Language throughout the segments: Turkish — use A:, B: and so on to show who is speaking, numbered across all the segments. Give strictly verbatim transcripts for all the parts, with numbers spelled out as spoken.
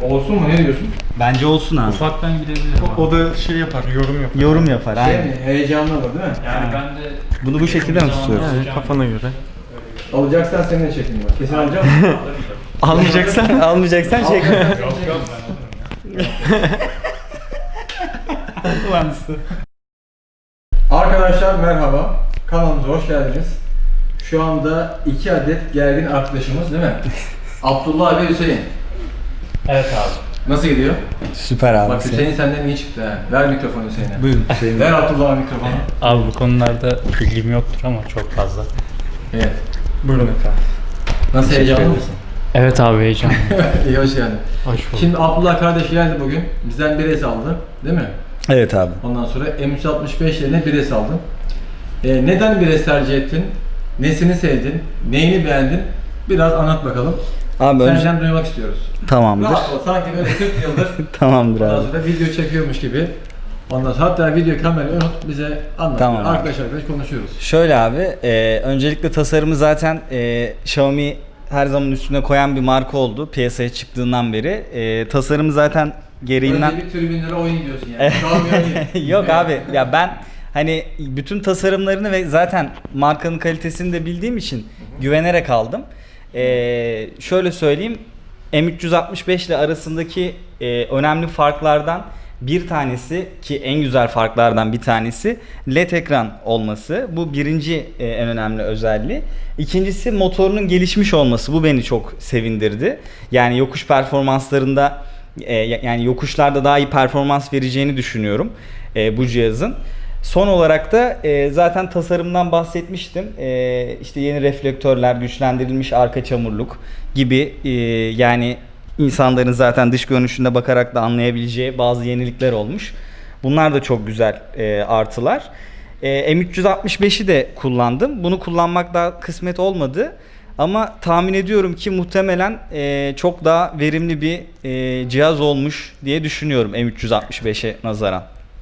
A: Olsun mu, ne diyorsun?
B: Bence olsun abi.
C: Ufaktan gidebilir.
D: O, o da şey yapar, yorum yapar.
B: Yorum yapar
A: Şey
B: aynen.
A: mi? Heyecanlı olur değil mi?
C: Yani ben de
B: Bunu bu şekilde mi tutuyoruz?
D: Yani kafana göre.
A: Alacaksan seninle çekeyim bak. Kesin alacağım.
B: Almayacaksan, almayacaksan çek.
C: Yok yok ben alırım ya.
A: Arkadaşlar merhaba. Kanalımıza hoş geldiniz. Şu anda iki adet gergin arkadaşımız değil mi? Abdullah ve Hüseyin.
C: Evet abi.
A: Nasıl gidiyor?
B: Süper abi.
A: Bak Hüseyin senden iyi çıktı ha. Ver mikrofonu Hüseyin'e.
B: Buyurun Hüseyin.
A: Ver Abdullah'a mikrofonu.
C: Abi bu konularda bilgim yoktur ama çok fazla.
A: Evet.
D: Buyurun efendim.
A: Nasıl, heyecanlı mısın?
C: Evet abi heyecanlı.
A: İyi, hoş geldin.
D: Hoş bulduk.
A: Şimdi Abdullah kardeş geldi bugün. Bizden bir es aldı. Değil mi?
B: Evet abi.
A: Ondan sonra M üç altmış beş yerine bir es aldın. Ee, neden bir es tercih ettin? Nesini sevdin? Neyini beğendin? Biraz anlat bakalım.
B: Abi önce...
A: Senden duymak istiyoruz.
B: Tamamdır.
A: Rahat ol, sanki böyle kırk yıldır
B: Tamamdır
A: ondan
B: abi.
A: sonra video çekiyormuş gibi. Ondan sonra hatta video kamerayı unut, bize anlat.
B: Tamam abi.
A: Arkadaş arkadaş konuşuyoruz.
B: Şöyle abi, e, öncelikle tasarımı zaten e, Xiaomi her zaman üstüne koyan bir marka oldu piyasaya çıktığından beri. E, tasarımı zaten gereğinden...
A: Önce bir tribünlere oyun diyorsun yani. Şu
B: Yok abi ya ben hani bütün tasarımlarını ve zaten markanın kalitesini de bildiğim için güvenerek aldım. Ee, şöyle söyleyeyim, M üç altmış beş ile arasındaki e, önemli farklardan bir tanesi, ki en güzel farklardan bir tanesi L E D ekran olması. Bu birinci e, en önemli özelliği. İkincisi motorunun gelişmiş olması. Bu beni çok sevindirdi. Yani yokuş performanslarında e, yani yokuşlarda daha iyi performans vereceğini düşünüyorum e, bu cihazın. Son olarak da e, zaten tasarımdan bahsetmiştim. E, işte yeni reflektörler, güçlendirilmiş arka çamurluk gibi e, yani insanların zaten dış görünüşünde bakarak da anlayabileceği bazı yenilikler olmuş. Bunlar da çok güzel e, artılar. E, M üç altmış beşi de kullandım. Bunu kullanmak daha kısmet olmadı. Ama tahmin ediyorum ki muhtemelen e, çok daha verimli bir e, cihaz olmuş diye düşünüyorum M üç altmış beşe nazaran.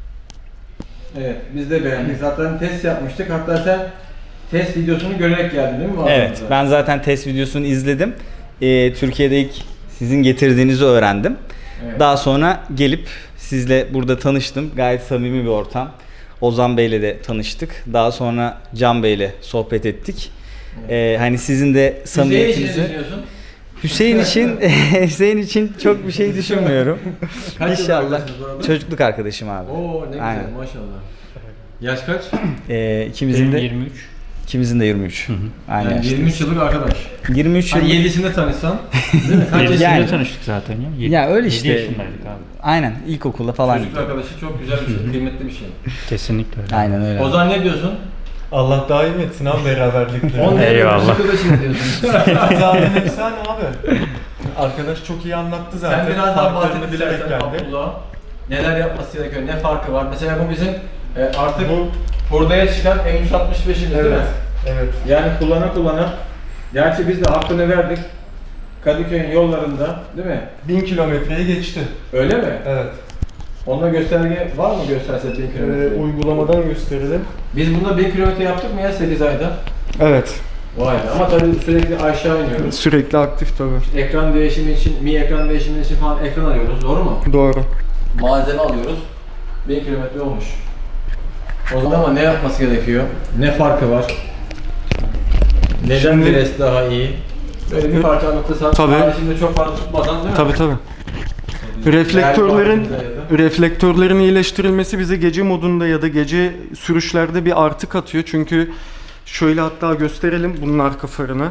A: Evet, biz de beğendik. Zaten test yapmıştık. Hatta sen test videosunu görerek geldin değil mi?
B: Evet, ben zaten test videosunu izledim. Ee, Türkiye'de ilk sizin getirdiğinizi öğrendim.
A: Evet.
B: Daha sonra gelip sizle burada tanıştım. Gayet samimi bir ortam. Ozan Bey'le de tanıştık. Daha sonra Can Bey'le sohbet ettik.
A: Evet.
B: Ee, hani sizin de samimiyetinizi...
A: Hüseyin için ne düşünüyorsun?
B: Hüseyin için Hüseyin için çok bir şey düşünmüyorum.
A: Kaç yıl
B: İnşallah.
A: arkadaşınız bu arada?
B: Çocukluk arkadaşım abi.
A: Oo ne güzel,
B: Aynen.
A: maşallah. Yaş kaç?
B: Ee, ikimizin de
C: yirmi üç.
B: ikimizin de yirmi üç. Aynen.
A: Yani yirmi üç yıllık arkadaş.
B: yirmi üç
A: Hani
B: yıl.
A: yedisinde tanışsan, değil mi? Kaç
C: yedisinde
A: yaşında?
C: tanıştık zaten ya. Yedi-
B: Ya öyle
C: yedi
B: işte.
C: yaşındaydık abi.
B: Aynen, ilkokulda falan.
A: Çocukluk arkadaşı çok güzel bir şey, kıymetli bir şey.
C: Kesinlikle öyle.
B: Aynen öyle.
A: Ozan ne diyorsun?
D: Allah daim etsin abi beraberlikleri.
A: on
C: Eyvallah.
A: arkadaşım diyorsun.
D: Zaten efsane abi. Arkadaş çok iyi anlattı zaten.
A: Sen biraz daha
D: Farklarını
A: bahset
D: bilerek
A: istersen
D: geldi.
A: Abdullah. Neler yapması gerekiyor, ne farkı var? Mesela bu bizim e, artık
D: Bu-
A: hurdaya çıkan M üç altmış beşimiz değil mi?
D: Evet. Evet.
A: Yani kullana kullana, gerçi biz de hakkını verdik. Kadıköy'ün yollarında değil mi?
D: Bin kilometreyi geçti.
A: Öyle mi?
D: Evet.
A: Onda gösterge var mı, gösterse bin
D: Ee,
A: kilometre?
D: uygulamadan gösterelim.
A: Biz bunda bin kilometre yaptık mı ya sekiz ayda?
D: Evet.
A: Vay be, ama tabii sürekli aşağı iniyoruz.
D: Sürekli aktif tabii.
A: Ekran değişimi için, mi ekran değişimi için falan ekran alıyoruz, doğru mu?
D: Doğru.
A: Malzeme alıyoruz. bin kilometre olmuş. O zaman ama ne yapması gerekiyor? Ne farkı var? Neden
D: Şimdi-
A: bir es daha iyi? Böyle bir parça anlatırsan,
D: Tabii.
A: yani şimdi çok fazla tutmadan değil mi?
D: Tabii tabii. Reflektörlerin reflektörlerin iyileştirilmesi bize gece modunda ya da gece sürüşlerde bir artı katıyor. Çünkü şöyle hatta gösterelim bunun arka farını.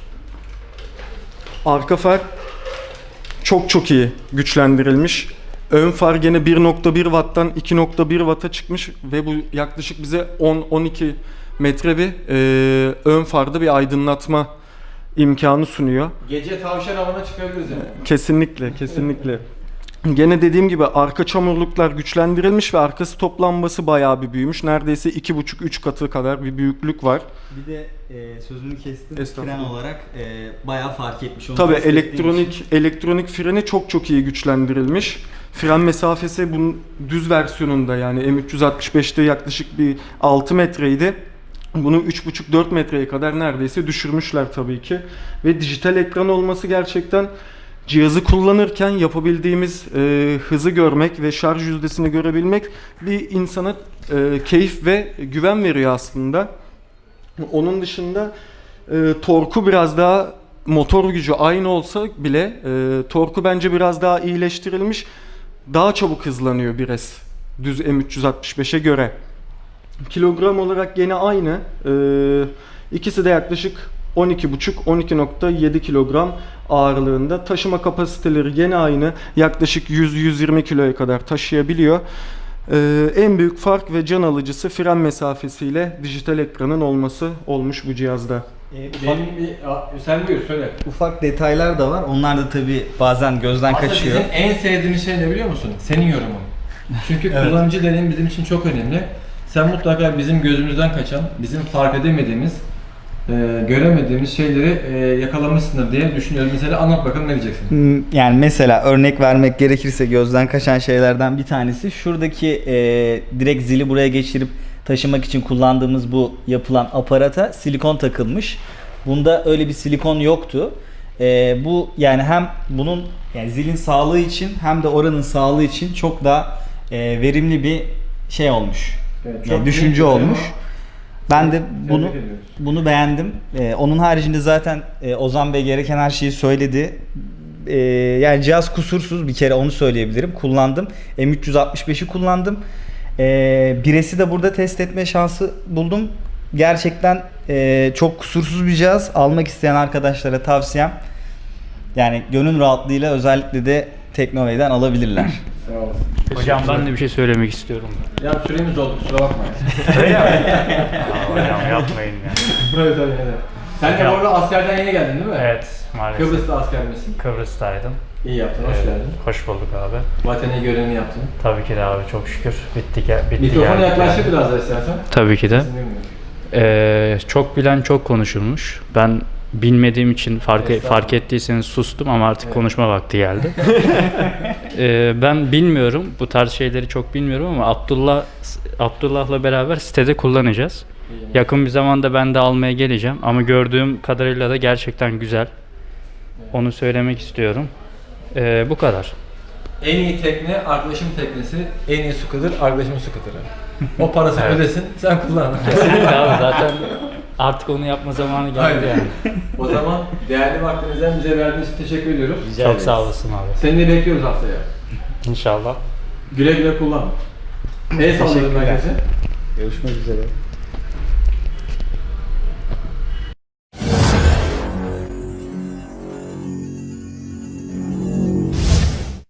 D: Arka far çok çok iyi güçlendirilmiş. Ön far gene bir nokta bir watt'tan iki nokta bir watt'a çıkmış ve bu yaklaşık bize on on iki metre bir e, ön farda bir aydınlatma imkanı sunuyor.
A: Gece tavşan avına çıkabiliriz yani.
D: Kesinlikle, kesinlikle. Gene dediğim gibi arka çamurluklar güçlendirilmiş ve arka stop lambası bayağı bir büyümüş. Neredeyse iki buçuk üç katı kadar bir büyüklük var.
B: Bir de e, sözünü kestim.
D: Estağfurullah.
B: Fren olarak e, bayağı fark etmiş. Onu
D: Tabii
B: test ettiğim
D: elektronik
B: için.
D: elektronik freni çok çok iyi güçlendirilmiş. Fren mesafesi bunun düz versiyonunda yani M üç altmış beşte yaklaşık bir altı metreydi. Bunu üç buçuk dört metreye kadar neredeyse düşürmüşler tabii ki. Ve dijital ekran olması gerçekten cihazı kullanırken yapabildiğimiz e, hızı görmek ve şarj yüzdesini görebilmek bir insana e, keyif ve güven veriyor aslında. Onun dışında e, torku biraz daha, motor gücü aynı olsa bile e, torku bence biraz daha iyileştirilmiş. Daha çabuk hızlanıyor bir S düz M üç yüz altmış beşe göre. Kilogram olarak gene aynı. E, ikisi de yaklaşık on iki buçuk on iki nokta yedi kilogram ağırlığında. Taşıma kapasiteleri gene aynı. Yaklaşık yüz yüz yirmi kiloya kadar taşıyabiliyor. Ee, en büyük fark ve can alıcısı fren mesafesiyle dijital ekranın olması olmuş bu cihazda.
A: Benim bir... Aa, sen buyur söyle.
B: Ufak detaylar da var. Onlar da tabii bazen gözden
A: Aslında
B: kaçıyor.
A: bizim en sevdiğimiz şey ne biliyor musun? Senin yorumun. Çünkü
B: Evet.
A: kullanıcı deneyim bizim için çok önemli. Sen mutlaka bizim gözümüzden kaçan, bizim fark edemediğimiz, e, göremediğimiz şeyleri e, yakalamışsındır diye düşünüyorum. Mesela anlat bakalım, ne diyeceksin?
B: Hmm, Yani mesela örnek vermek gerekirse gözden kaçan şeylerden bir tanesi şuradaki e, direkt zili buraya geçirip taşımak için kullandığımız bu yapılan aparata silikon takılmış. Bunda öyle bir silikon yoktu. E, bu yani hem bunun yani zilin sağlığı için hem de oranın sağlığı için çok daha e, verimli bir şey olmuş.
A: Evet,
B: Yani
A: çok
B: düşünce
A: büyük bir
B: olmuş.
A: tema.
B: Ben de
A: Tebrik
B: bunu
A: ediyoruz.
B: bunu beğendim. Ee, onun haricinde zaten e, Ozan Bey gereken her şeyi söyledi. Ee, yani cihaz kusursuz, bir kere onu söyleyebilirim. Kullandım. M üç yüz altmış beşi kullandım. Ee, Bires'i de burada test etme şansı buldum. Gerçekten e, çok kusursuz bir cihaz. Almak isteyen arkadaşlara tavsiyem. Yani gönül rahatlığıyla özellikle de Teknovey'den alabilirler.
A: Sağ olasın.
C: Hocam ben de bir şey söylemek istiyorum.
A: Ya süremiz oldu, kusura bakma.
C: Aa, hocam yapmayın ya.
A: Evet tabii evet. Sen de
C: Hocam-
A: bu arada askerden yeni geldin değil mi?
C: Evet, maalesef.
A: Kıbrıs'ta asker misin?
C: Kıbrıs'taydım.
A: İyi yaptın, hoş
C: Evet,
A: geldin.
C: Hoş bulduk abi.
A: Vatani görevini yaptın.
C: Tabii ki de abi, çok şükür. Bitti, gel bitti
A: Mikrofona
C: geldik
A: yaklaştır
C: yani.
A: biraz da istersen.
C: Tabii ki de.
A: Sesini duymuyorum.
C: Ee, çok bilen çok konuşurmuş. Ben bilmediğim için fark,
A: Estağfurullah.
C: fark ettiyseniz sustum ama artık
A: Evet.
C: konuşma vakti geldi. Ee, ben bilmiyorum, bu tarz şeyleri çok bilmiyorum ama Abdullah Abdullah'la beraber sitede kullanacağız.
A: İyi.
C: Yakın bir zamanda ben de almaya geleceğim ama gördüğüm kadarıyla da gerçekten güzel. Onu söylemek istiyorum. Ee, bu kadar.
A: En iyi tekne arkadaşım teknesi, en iyi scooter arkadaşımın scooter'ı. O parasını
C: Evet.
A: ödesin, sen kullan.
C: Kesinlikle abi, zaten artık onu yapma zamanı geldi
A: Aynen.
C: yani.
A: O zaman değerli vaktinizden bize verdiğiniz için teşekkür ediyoruz.
C: Çok sağ olasın abi.
A: Seni de bekliyoruz haftaya.
C: İnşallah.
A: Güle güle kullan. El salladım
B: Teşekkürler.
A: herkese.
B: Görüşmek üzere.